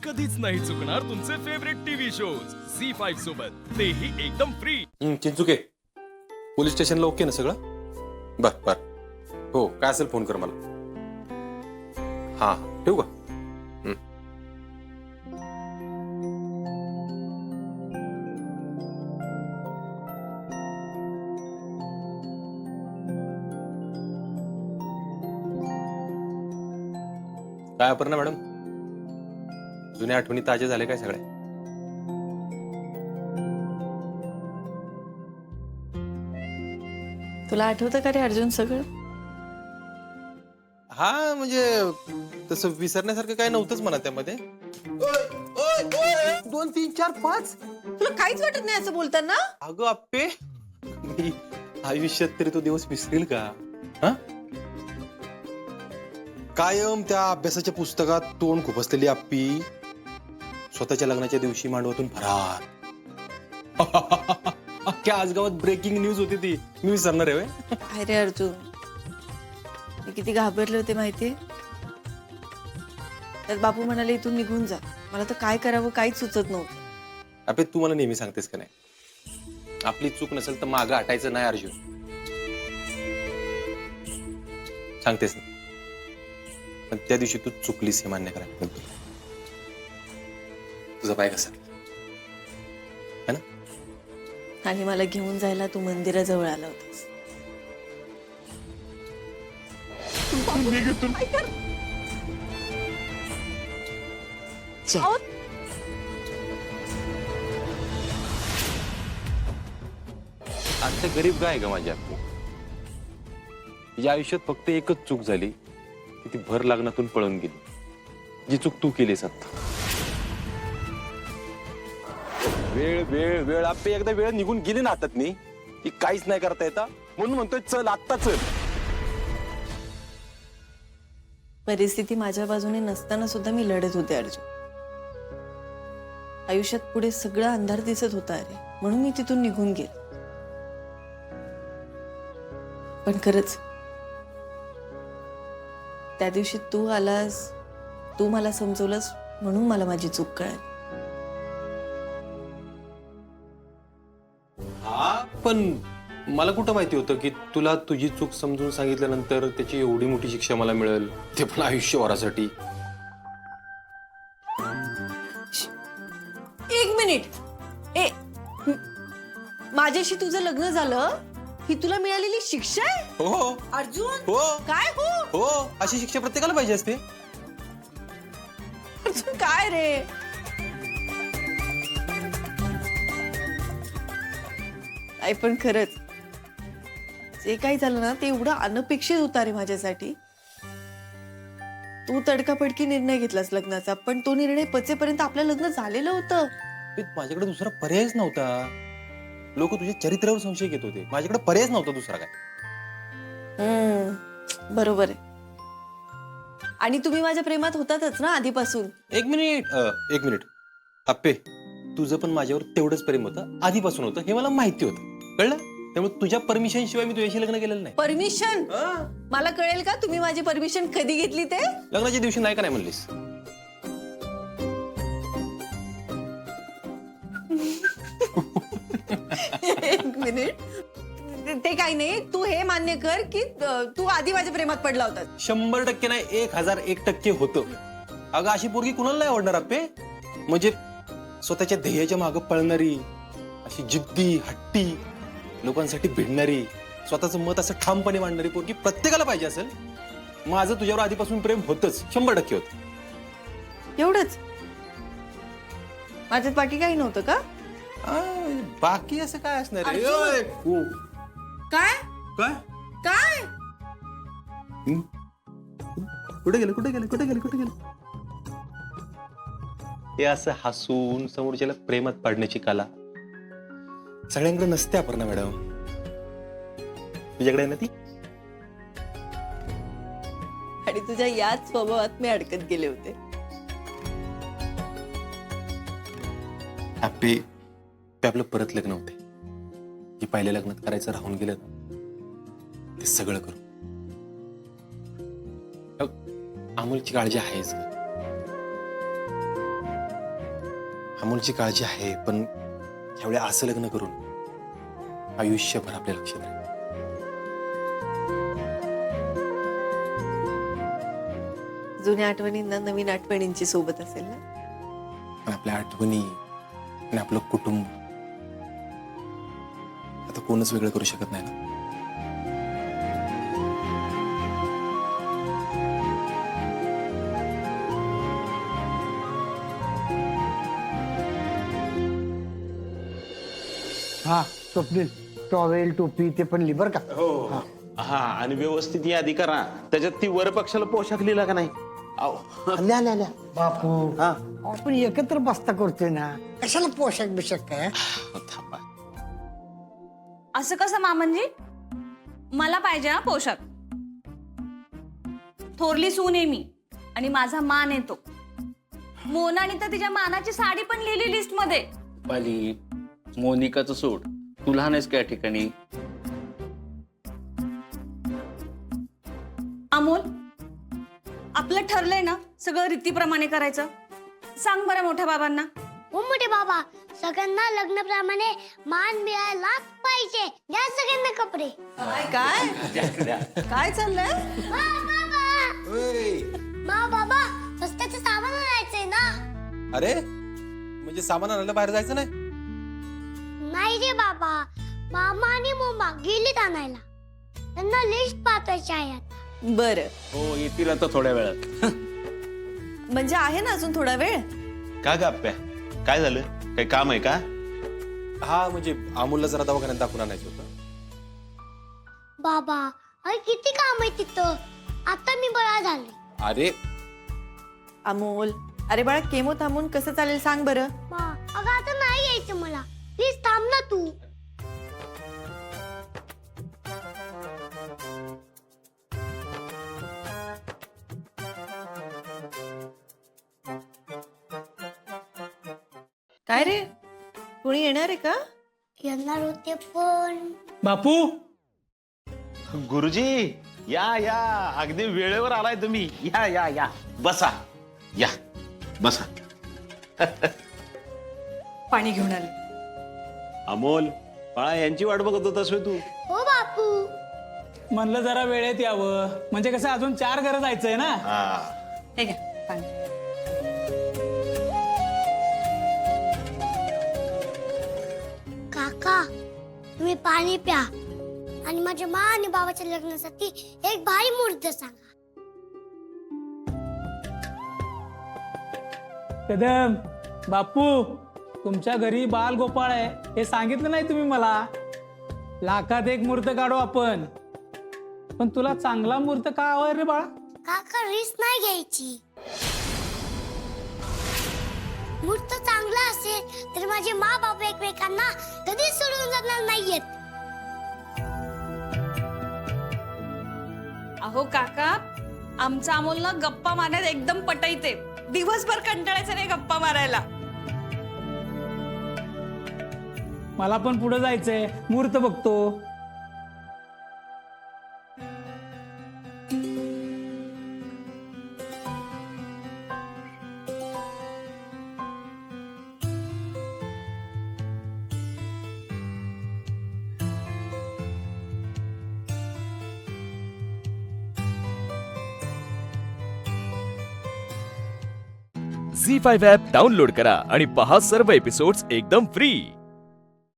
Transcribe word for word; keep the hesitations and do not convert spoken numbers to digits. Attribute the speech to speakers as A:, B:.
A: कधीच नाही चुकणार तुमचे favourite TV shows C five सोबत, तेही एकदम फ्री.
B: चिंचुके, पोलीस स्टेशनला ओके ना सगळं? बर बर, हो काय असेल फोन कर मला. हा ठेवू का? हम्म. काय अपर्णा मॅडम, जुन्या आठवणी ताज्या झाल्या काय सगळ्या?
C: तुला आठवतं का रे अर्जुन सगळं?
B: हा म्हणजे तसं विसरण्यासारखं काय नव्हतंच म्हणा त्यामध्ये. दोन तीन चार पाच.
C: तुला काहीच वाटत नाही असं बोलताना?
B: अगं आप्पे, मी आयुष्यात तरी तो दिवस विसरेल का? हा, कायम त्या अभ्यासाच्या पुस्तकात तोंड खुपसलेली आप्पी स्वतःच्या लग्नाच्या दिवशी मांडवातून फरार. अख्ख्या आज गावात ब्रेकिंग न्यूज होती ती. मी विसरणार आहे व्हय?
C: अरे अर्जुन, मी किती घाबरले होते माहितीये. त्यात बापू म्हणाले इथून निघून जा. मला तर काय करावं काहीच सुचत नव्हतं.
B: अबे तू मला नेहमी सांगतेस का नाही, आपली चूक नसेल तर मागं हटायचं नाही अर्जुन. सांगतेस ना, पण त्या दिवशी तू चुकलीस हे मान्य करा. तुझा पाय कसा है ना?
C: आणि मला घेऊन जायला तू मंदिराजवळ आला होतास.
B: आता गरीब काय का माझ्या या आयुष्यात फक्त एकच चूक झाली की ती भर लग्नातून पळून गेली, जी चूक तू केलीस आता. वेळ वेळ वेळ आपे एकदा वेळ निघून गेली ना हातात नी की काहीच नाही करता येता, म्हणून म्हणतोय चल आत्ता चल.
C: परिस्थिती माझ्या बाजूने नसताना सुद्धा मी लढत होते अर्जुन. आयुष्यात पुढे सगळं अंधार दिसत होता अरे, म्हणून मी तिथून निघून गेले. पण खरंच त्या दिवशी तू आलास, तू मला समजवलंस, म्हणून मला माझी चूक कळाली.
B: हा पण मला कुठं माहिती होतं की तुला तुझी चूक समजून सांगितल्यानंतर त्याची एवढी मोठी शिक्षा मला मिळेल, ते पण आयुष्यभरासाठी.
C: एक मिनिट, ए म- माझ्याशी तुझं लग्न झालं ही तुला मिळालेली शिक्षा आहे?
B: हो
C: अर्जुन
B: हो
C: काय हो?
B: हो, अशी शिक्षा प्रत्येकाला पाहिजे असते.
C: अर्जुन काय रे? आई पण खरंच जे काही झालं ना ते एवढं अनपेक्षित होता रे माझ्यासाठी. तू तडकाफडकी निर्णय घेतलास लग्नाचा, पण तो निर्णय पचेपर्यंत आपलं लग्न झालेलं होतं.
B: ते माझ्याकडे दुसरा पर्यायच नव्हता. लोक तुझ्या चरित्रावर संशय घेत होते, माझ्याकडे पर्यायच नव्हता दुसरा काय.
C: हम्म, बरोबर आहे. आणि तुम्ही माझ्या प्रेमात होतातच ना आधीपासून.
B: एक मिनिट अ, एक मिनिट अप्पे, तुझं पण माझ्यावर तेवढंच प्रेम होतं, आधीपासून होतं, हे मला माहिती होतं, कळलं? त्यामुळे तुझ्या परमिशन शिवाय मी तुझ्याशी लग्न केलेलं नाही.
C: परमिशन? मला कळेल का तुम्ही माझी परमिशन कधी घेतली ते?
B: लग्नाच्या दिवशी नाही का नाही म्हणलीस?
C: एक मिनिट, ते काही नाही. तू हे मान्य कर की अ, तू आधी माझ्या प्रेमात पडला होता.
B: शंभर टक्के नाही, एक हजार एक टक्के होतं. अगं अशी पोरगी कुणाला नाही आवडणार अप्पे? म्हणजे स्वतःच्या ध्येयाच्या मागे पळणारी, अशी जिद्दी हट्टी, लोकांसाठी भिडणारी, स्वतःचं मत असं ठामपणे मांडणारी पोरगी प्रत्येकाला पाहिजे असेल. माझं तुझ्यावर आधीपासून प्रेम होतच, शंभर टक्के होत.
C: एवढंच? माझ्यात बाकी काही नव्हतं का?
B: बाकी असं काय असणार आहे?
C: अर्जुन!
B: ओय! हो.
C: काय
B: काय
C: काय
B: हं? कुठे गेलं कुठे गेलं कुठे गेलं कुठे गेलं? हे असं हसून समोरच्याला प्रेमात पाडण्याची कला सगळ्यांकडे नसते अपर्णा मॅडम. तुझ्याकडे आहे ना ती?
C: आणि तुझ्या याच स्वभावात मी अडकत गेले होते.
B: आपले ते आपलं परत लग्न होते, की पहिल्या लग्नात करायचं राहून गेलं ना, ते सगळं करू. अमोलची काळजी आहेच. अमोलची काळजी आहे, पण यावेळी असं लग्न करून आयुष्यभर आपल्या लक्षात राहील.
C: जुन्या आठवणींना नवीन आठवणींची सोबत असेल ना.
B: पण आपल्या आठवणी आणि आपलं कुटुंब आता कोणच वेगळं करू शकत नाही ना.
D: हा स्वप्नील, टॉवेल टोपी ते पण लिबर का?
E: हो हा, आणि व्यवस्थित यादी करा. त्याच्यात ती वर पक्षाला पोशाख लिहिला का नाही? आव.
D: आल्या आल्या आल्या बापू,
E: हा.
D: आपण एकत्र बसता करतोय ना, कशाला पोशाख बिशाख काय?
E: थांबा.
F: असं कसं मामनजी? मला पाहिजे हा पोशाख. थोरली सून आहे मी आणि माझा मान येतो. मोनाने तर तिच्या मानाची साडी पण लिहिली लिस्ट मध्ये.
G: बाली, मोनिकाचं सोड, तू लहान आहेस का या ठिकाणी?
F: अमोल, आपलं ठरलंय ना सगळं रीतीप्रमाणे करायचं. सांग बरं मोठ्या बाबांना.
H: हो मोठे बाबा, सगळ्यांना लग्नाप्रमाणे मान मिळायलाच पाहिजे. द्या सगळ्यांना कपडे.
C: काय काय काय चाललंय?
H: मा बाबा, मा बाबा, रस्त्याचं सामान आणायचंय ना.
B: अरे म्हणजे सामान आणायला बाहेर जायचं नाही?
H: नाही रे बाबा, मामा आणि मोमा गेलीत आणायला. त्यांना लिस्ट पाठवायची आहे आता.
C: बरं,
E: हो, येतील आता थोड्या वेळात.
C: म्हणजे आहे ना अजून थोडा वेळ.
E: का ग आप्या, काय झालं? काही काम आहे का?
B: हा म्हणजे अमोलला जरा दवाखान्यात दाखवून आणायचं होतं.
H: बाबा, अरे किती काम आहे तिथं. आता मी बळा झाले.
B: अरे
C: अमोल, अरे बाळा, केमो थांबून कसं चालेल सांग बरं.
H: मा, अगं आता नाही यायचं मला. प्लीज थांब ना तू.
C: काय रे, कोणी येणार आहे का?
H: येणार होते पण
D: बापू,
E: गुरुजी, या या, अगदी वेळेवर आलाय तुम्ही. या या या, बसा. या बसा.
C: पाणी घेऊन आले.
E: अमोल, बाळा यांची वाट बघत होतास तू?
H: हो बापू.
I: म्हणलं जरा वेळेत यावं, म्हणजे कसं अजून चार घरं जायचंय ना.
E: हा.
C: हे घ्या पाणी.
H: काका, तुम्ही पाणी प्या आणि माझ्या मा आणि बाबाच्या लग्नासाठी एक भारी मुहूर्त सांगा.
I: कदम, बापू, तुमच्या घरी बाल गोपाळ आहे हे सांगितलं नाही तुम्ही मला. लाखात एक मूर्त काढू आपण, पण तुला चांगला मूर्त का हवाय रे बाळा?
H: काका, रिस्क नाही घ्यायची. मुहूर्त चांगला असेल तर माझे मा बाबा एकमेकांना कधीच सोडून जाणार नाहीयेत.
F: अहो काका, आमचा अमोल ना गप्पा मारण्यात एकदम पटायते. दिवसभर कंटाळायचं नाही गप्पा मारायला.
I: मला पण पुढे जायचंय, मूर्त बघतो.
A: झी फाईव्ह ॲप डाउनलोड करा आणि पहा सर्व एपिसोड्स एकदम फ्री.